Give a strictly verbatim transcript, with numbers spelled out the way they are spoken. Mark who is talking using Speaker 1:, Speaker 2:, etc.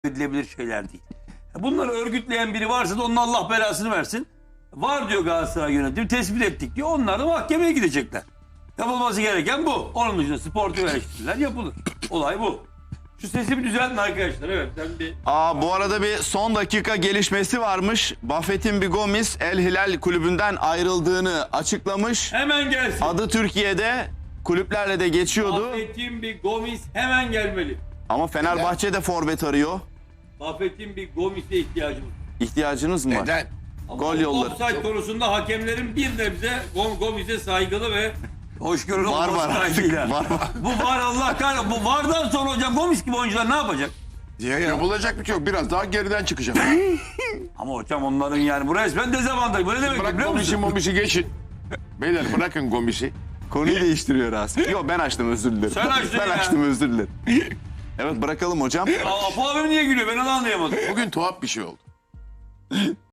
Speaker 1: edilebilir şeyler değil. Bunları örgütleyen biri varsa da onun Allah belasını versin. Var diyor Galatasaray yönetimi, tespit ettik diyor. Onlar da mahkemeye gidecekler. Yapılması gereken bu. Onun dışında sportif eleştiriler yapılır. Olay bu. Şu sesimi düzeltin arkadaşlar. Evet ben bir...
Speaker 2: Aa, bu arada bir son dakika gelişmesi varmış. Buffett'in bir Gomis El Hilal kulübünden ayrıldığını açıklamış.
Speaker 1: Hemen gelsin.
Speaker 2: Adı Türkiye'de kulüplerle de geçiyordu.
Speaker 1: Buffett'in bir Gomis hemen gelmeli.
Speaker 2: Ama Fenerbahçe de forvet arıyor.
Speaker 1: Buffett'in bir Gomis'e ihtiyacımız var.
Speaker 2: İhtiyacınız mı var?
Speaker 3: Neden?
Speaker 1: Ama
Speaker 2: Gol
Speaker 1: bu
Speaker 2: yolları.
Speaker 1: offside konusunda hakemlerin bir nebze Gom- Gomis'e saygılı ve hoşgörülü
Speaker 2: Var
Speaker 1: olması
Speaker 2: var artık.
Speaker 1: kaydıyla.
Speaker 2: Var var.
Speaker 1: Bu var Allah kahretsin. Bu vardan sonra hocam Gomis gibi oyuncular ne yapacak?
Speaker 3: Ya, yapılacak bir şey yok. Biraz daha geriden çıkacak.
Speaker 1: Ama hocam onların yani bu resmen dezavantaj. Bu ne demek
Speaker 3: Bırak
Speaker 1: biliyor
Speaker 3: Gomis'i
Speaker 1: musun?
Speaker 3: Momis'i geçin. Beyler bırakın Gomis'i.
Speaker 2: Konuyu değiştiriyor Rasim. Yok ben açtım, özür dilerim.
Speaker 1: Sen açtın
Speaker 2: Ben
Speaker 1: ya.
Speaker 2: açtım, özür dilerim. Evet, bırakalım hocam.
Speaker 1: Aa, Apo abim niye gülüyor? Ben onu anlayamadım.
Speaker 3: Bugün tuhaf bir şey oldu.